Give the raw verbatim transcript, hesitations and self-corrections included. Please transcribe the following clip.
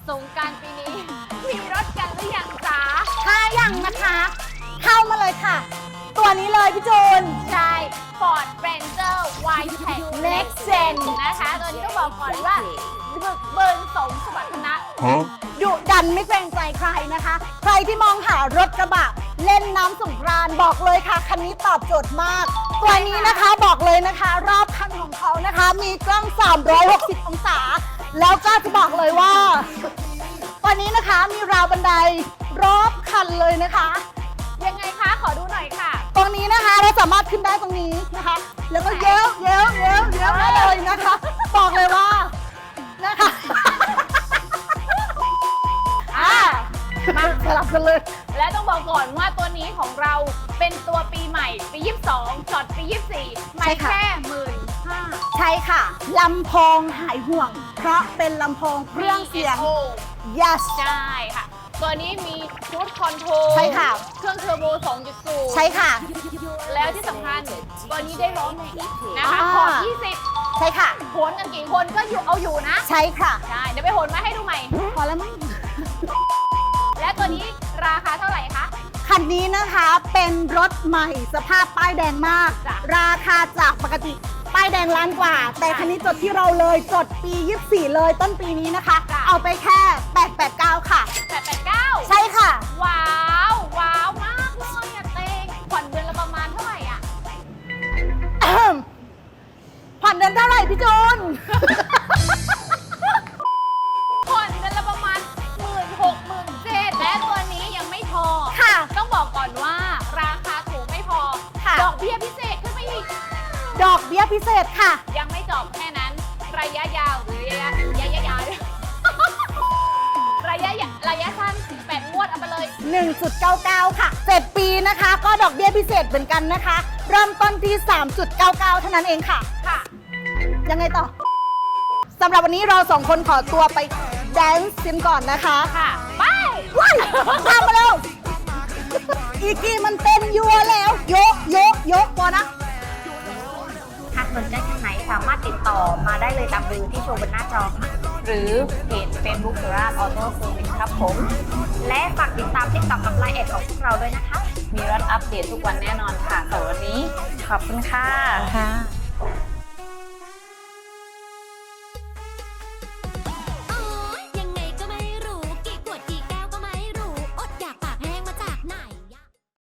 สงกรานต์ปีนี้ มีรถกันหรือยังจ๊ะถ้ายังนะคะ เข้ามาเลยค่ะ ตัวนี้เลยพี่จูนใช่ Ford Ranger Y-Tech Next Gen นะคะ ตัวนี้ต้องบอกก่อนว่าบึกเบินสมสมรรถนะดุดันไม่เกรงใจใครนะคะ ใครที่มองหารถกระบะเล่นน้ำสงกรานต์บอกเลยค่ะ คันนี้ตอบโจทย์มาก ตัวนี้นะคะบอกเลยนะคะ รอบคันของเขานะคะ มีกล้อง สามร้อยหกสิบ องศา แล้วก็จะบอกเลยว่า ตัวนี้นะคะมีราวบันไดรอบคันเลยนะคะยังไงคะ ขอดูหน่อยค่ะตรงนี้นะคะเราสามารถขึ้นได้ตรงนี้นะคะ แล้วก็เย้ยวเย้ยวเย้ยวเย้ยวได้เลยนะคะ บอกเลยว่านะคะอ่ามาสลับกันเลยและต้องบอกก่อนว่าตัวนี้ของเราเป็นตัวปีใหม่ปียี่สิบสองจอดปียี่สิบสี่ไม่แค่หมื่นห้าใช่ค่ะลำโพงหายห่วง เพราะเป็นลำโพงเครื่องเสียง yes ใช่ค่ะ ตัวนี้มีชุดคอนโทรลใช่ค่ะเครื่องเทอร์โบ สองจุดศูนย์ใช่ค่ะแล้วที่สำคัญตัวนี้ได้ล้อแม็กนะคะอ่าขอบยี่สิบใช่ค่ะโหนกันกี่คนก็อยู่เอาอยู่นะใช่ค่ะใช่ เดี๋ยวไปโหนมาให้ดูใหม่พอแล้วมั้งและตัวนี้ราคาเท่าไหร่คะคันนี้นะคะเป็นรถใหม่สภาพป้ายแดงมากจ้ะราคาจากปกติป้ายแดงล้านกว่า แต่คันนี้จดที่เราเลยจดปียี่สิบสี่เลยต้นปีนี้นะคะจ้ะเอาไปแค่แปดแปดเก้าค่ะแปดแปดเก้าใช่ค่ะว้าว ว้าวมากเลยอะเตงผ่อนเดือนละประมาณเท่าไหร่อะผ่อนเดือนเท่าไหร่พี่จูนผ่อนเดือนละประมาณหมื่นหกหมื่นเจ็ดและตัวนี้ยังไม่พอค่ะต้องบอกก่อนว่าราคาถูกไม่พอค่ะดอกเบี้ยพิเศษขึ้นไปอีกดอกเบี้ยพิเศษค่ะยังไม่จบแค่นั้น ระยะยาวหรือระยะระยะยาว ระยะยะระยะสั้นแปดงวดเอาไปเลยหนึ่งจุดเก้าเก้า ค่ะเจ็ดปีนะคะ ก็ดอกเบี้ยพิเศษเหมือนกันนะคะ เริ่มต้นที่ สามจุดเก้าเก้า เท่านั้นเองค่ะค่ะยังไงต่อสำหรับวันนี้เราสองคนขอตัวไปแดนซ์กันก่อนนะคะค่ะ ไปว้ายตามมาแล้ว อีกี้มันเต้นยัวแล้ว โยกโยกโยกพอนะหากสนใจทางไหนสามารถติดต่อมาได้เลยตามเบอร์ที่โชว์บนหน้าจอค่ะหรือเพจ Facebook สุราษฎร์ออโต้เซอร์วิสครับผม และฝากติดตามทิกตอกกับไลน์แอดของพวกเราด้วยนะคะมีรถอัปเดตทุกวันแน่นอนค่ะสำหรับวันนี้ขอบคุณค่ะค่ะ